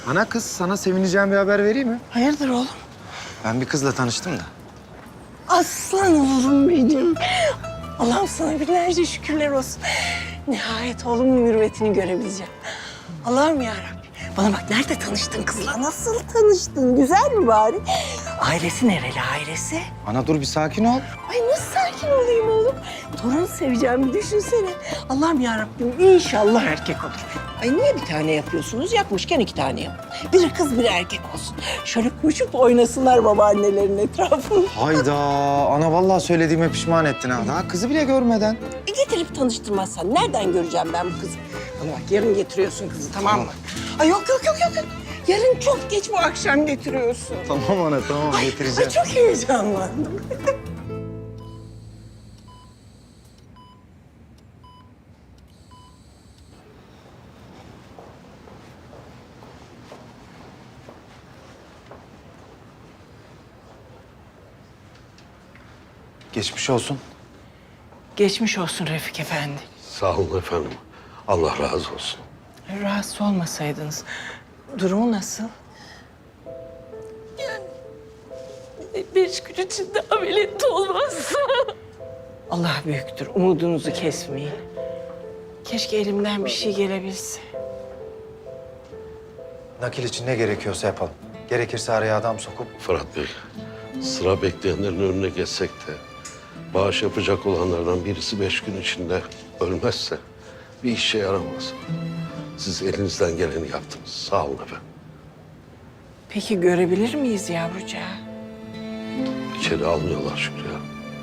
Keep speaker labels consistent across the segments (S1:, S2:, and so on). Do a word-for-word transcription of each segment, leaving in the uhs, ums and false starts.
S1: Ana kız, sana sevineceğim bir haber vereyim mi?
S2: Hayırdır oğlum?
S1: Ben bir kızla tanıştım da.
S2: Aslan oğlum benim. Allah'ım sana binlerce şükürler olsun. Nihayet oğlumun mürüvvetini görebileceğim. Allah'ım yarabbim. Bana bak, nerede tanıştın kızla? Nasıl tanıştın? Güzel mi bari? Ailesi nereli ailesi?
S1: Ana dur bir sakin ol.
S2: Ay nasıl sakin olayım oğlum? Torun seveceğimi düşünsene. Allah'ım yarabbim, inşallah erkek olur. Ay niye bir tane yapıyorsunuz? Yapmışken iki tane yap. Biri kız biri erkek olsun. Şöyle koşup oynasınlar babaannelerin etrafında.
S1: Hayda, ana vallahi söylediğime pişman ettin ha. Daha kızı bile görmeden.
S2: E getirip tanıştırmazsan nereden göreceğim ben bu kızı? Bana bak, yarın getiriyorsun kızı, tamam mı? Ay yok yok yok yok. Yarın çok geç, bu akşam getiriyorsun.
S1: Tamam ana, tamam
S2: Ay,
S1: getireceğim.
S2: ay çok heyecanlandım.
S1: Geçmiş olsun.
S2: Geçmiş olsun Refik Efendi.
S3: Sağ olun efendim. Allah razı olsun.
S2: Rahatsız olmasaydınız. Durumu nasıl?
S4: Beş gün içinde ameliyat olmaz.
S2: Allah büyüktür. Umudunuzu kesmeyin. Keşke elimden bir şey gelebilse.
S1: Nakil için ne gerekiyorsa yapalım. Gerekirse araya adam sokup...
S3: Fırat Bey, sıra bekleyenlerin önüne geçsek de bağış yapacak olanlardan birisi beş gün içinde ölmezse bir işe yaramaz. Siz elinizden geleni yaptınız. Sağ olun efendim.
S2: Peki görebilir miyiz yavrucağı?
S3: İçeri almıyorlar Şükrü ya.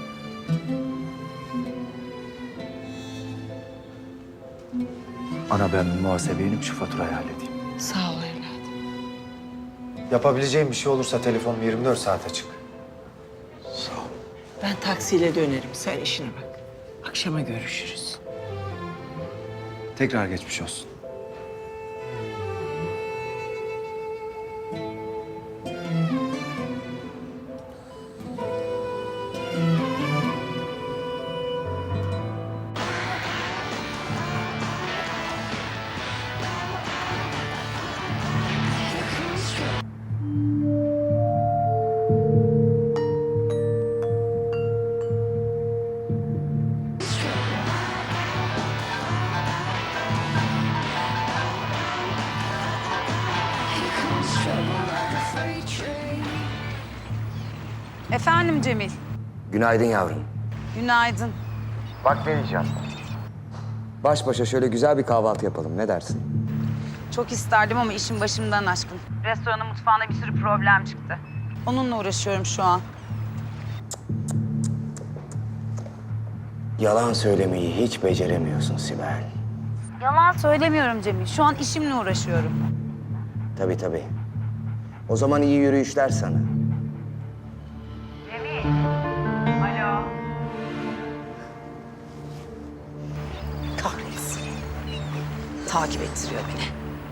S1: Ana ben bir muhasebeye inip şu faturayı halledeyim.
S2: Sağ ol evladım.
S1: Yapabileceğim bir şey olursa telefonum yirmi dört saat açık.
S3: Sağ olun.
S2: Ben taksiyle dönerim. Sen işine bak. Akşama görüşürüz.
S1: Tekrar geçmiş olsun.
S5: Efendim Cemil.
S6: Günaydın yavrum.
S5: Günaydın.
S6: Bak ne diyeceğim. Baş başa şöyle güzel bir kahvaltı yapalım. Ne dersin?
S5: Çok isterdim ama işim başımdan aşkın. Restoranın mutfağında bir sürü problem çıktı. Onunla uğraşıyorum şu an.
S6: Yalan söylemeyi hiç beceremiyorsun Sibel.
S5: Yalan söylemiyorum Cemil. Şu an işimle uğraşıyorum.
S6: Tabii tabii. O zaman iyi yürüyüşler sana.
S5: Alo.
S2: Kahretsin. Takip ettiriyor beni.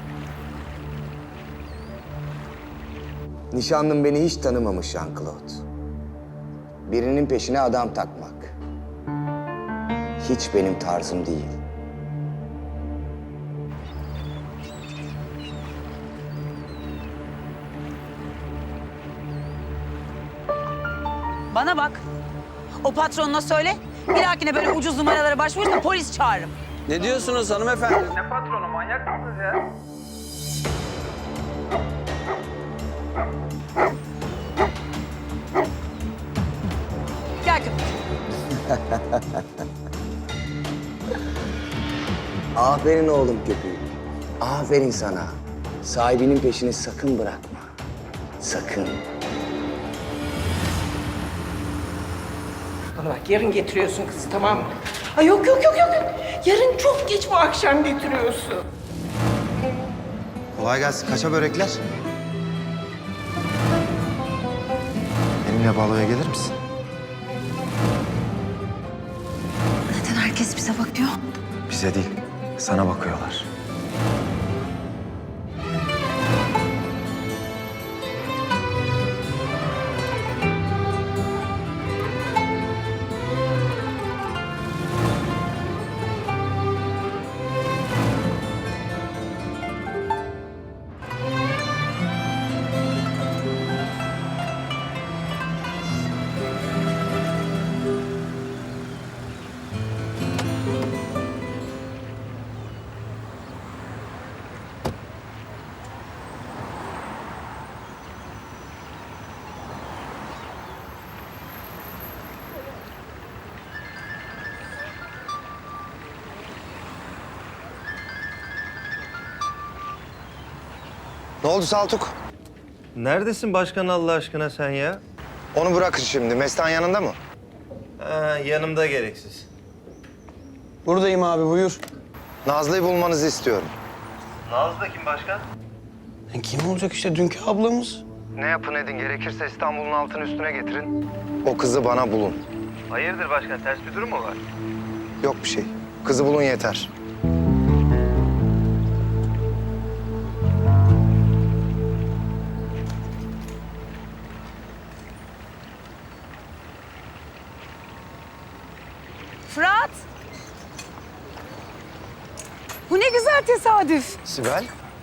S6: Nişanlım beni hiç tanımamış Jean-Claude. Birinin peşine adam takmak. Hiç benim tarzım değil.
S5: Bana bak. O patronuna söyle. Bir dahakine böyle ucuz numaralara başvurursa polis çağırırım.
S7: Ne diyorsunuz hanımefendi?
S8: Ne patronu, manyak mısınız ya?
S5: Gel köpek.
S6: Aferin oğlum köpüğüm. Aferin sana. Sahibinin peşini sakın bırakma. Sakın.
S2: Bana bak, yarın getiriyorsun kızı, tamam mı? Ay yok yok yok yok. Yarın çok geç, bu akşam getiriyorsun.
S1: Kolay gelsin. Kaça börekler? Benimle baloya gelir misin?
S5: Neden herkes bize bakıyor?
S1: Bize değil, sana bakıyorlar. Ne oldu Saltuk?
S9: Neredesin başkan Allah aşkına sen ya?
S1: Onu bırakın şimdi. Mestan yanında mı?
S9: Ha, yanımda gereksiz.
S7: Buradayım abi buyur.
S1: Nazlı'yı bulmanızı istiyorum.
S9: Nazlı da kim başkan?
S7: E, kim olacak işte dünkü ablamız?
S1: Ne yapın edin gerekirse İstanbul'un altını üstüne getirin. O kızı bana bulun.
S9: Hayırdır başkan ters bir durum mu var?
S1: Yok bir şey. Kızı bulun yeter.
S5: Fırat! Bu ne güzel tesadüf.
S1: Sibel.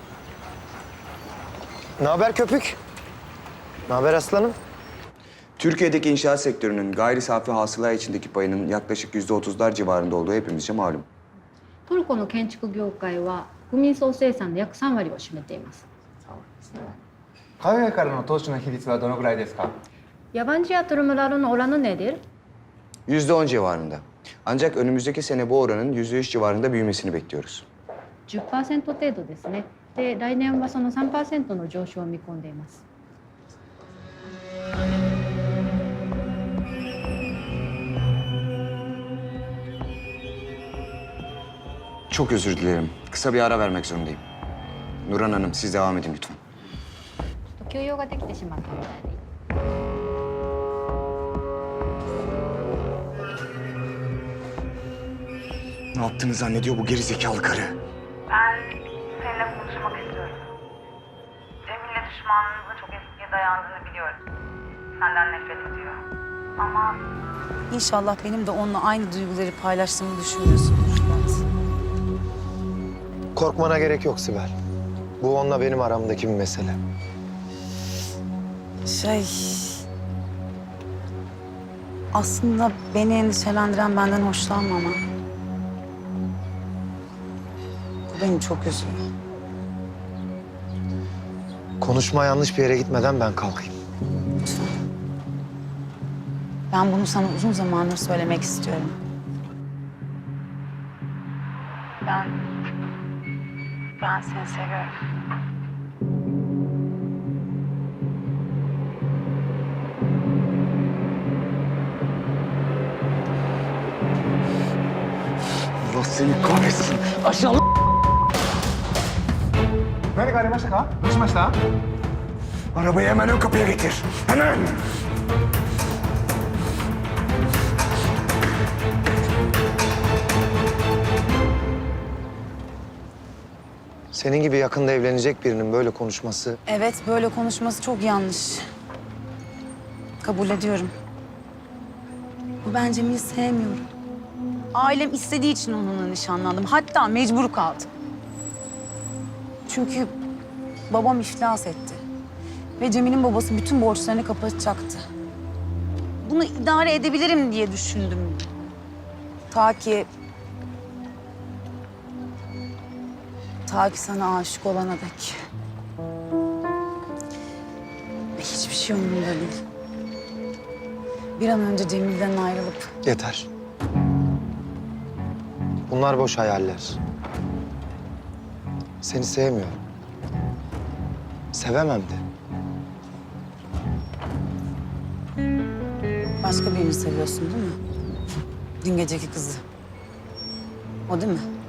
S1: Ne haber köpük? Ne haber aslanım?
S6: Türkiye'deki inşaat sektörünün gayri safi hasıla içindeki payının yaklaşık yüzde otuzlar civarında olduğu hepimizce malum.
S10: トルコの建築業界は国民総生産の約さん割を占めています。
S8: 海外からの投資の比率はどのぐらいですか？
S10: Yabancı yatırımların oranı nedir?
S6: Yüzde on civarında. Ancak önümüzdeki sene bu oranın yüzde üç civarında büyümesini bekliyoruz.
S10: じゅっパーセント 程度ですね。で、来年はその さんパーセント の上昇を見込んでいます。
S6: Çok özür dilerim. Kısa bir ara vermek zorundayım. Nurhan Hanım siz devam edin lütfen.
S10: ちょっと休養ができてしまったみたいで。
S6: Ne yaptığını zannediyor bu gerizekalı karı.
S5: Ben seninle konuşmak istiyorum. Cemil'le düşmanlığınızın çok eskiye dayandığını biliyorum. Senden nefret ediyor. Ama... İnşallah benim de onunla aynı duyguları paylaştığımı düşünmüyorsundur Fırat.
S1: Korkmana gerek yok Sibel. Bu onunla benim aramdaki bir mesele.
S5: Şey... Aslında beni endişelendiren benden hoşlanmama. Bu beni çok üzüyor.
S1: Konuşma yanlış bir yere gitmeden ben kalkayım.
S5: Lütfen. Ben bunu sana uzun zamandır söylemek istiyorum. Ben... Ben seni seviyorum.
S6: Allah seni kahretsin.
S8: 何かありましたか？どうしました？
S6: Arabayı hemen ön kapıya getir. Hemen!
S1: Senin gibi yakında evlenecek birinin böyle konuşması...
S5: Evet, böyle konuşması çok yanlış. Kabul ediyorum. Ben Cemil'i sevmiyorum. Ailem istediği için onunla nişanlandım. Hatta mecbur kaldım. Çünkü babam iflas etti. Ve Cemil'in babası bütün borçlarını kapatacaktı. Bunu idare edebilirim diye düşündüm. Ta ki... Ta ki sana aşık olana dek. Ve hiçbir şey umurumda değil. Bir an önce Cemil'den ayrılıp...
S1: Yeter. Bunlar boş hayaller. Seni sevmiyorum. Sevemem de.
S5: Başka birini seviyorsun değil mi? Dün geceki kızı. O değil mi?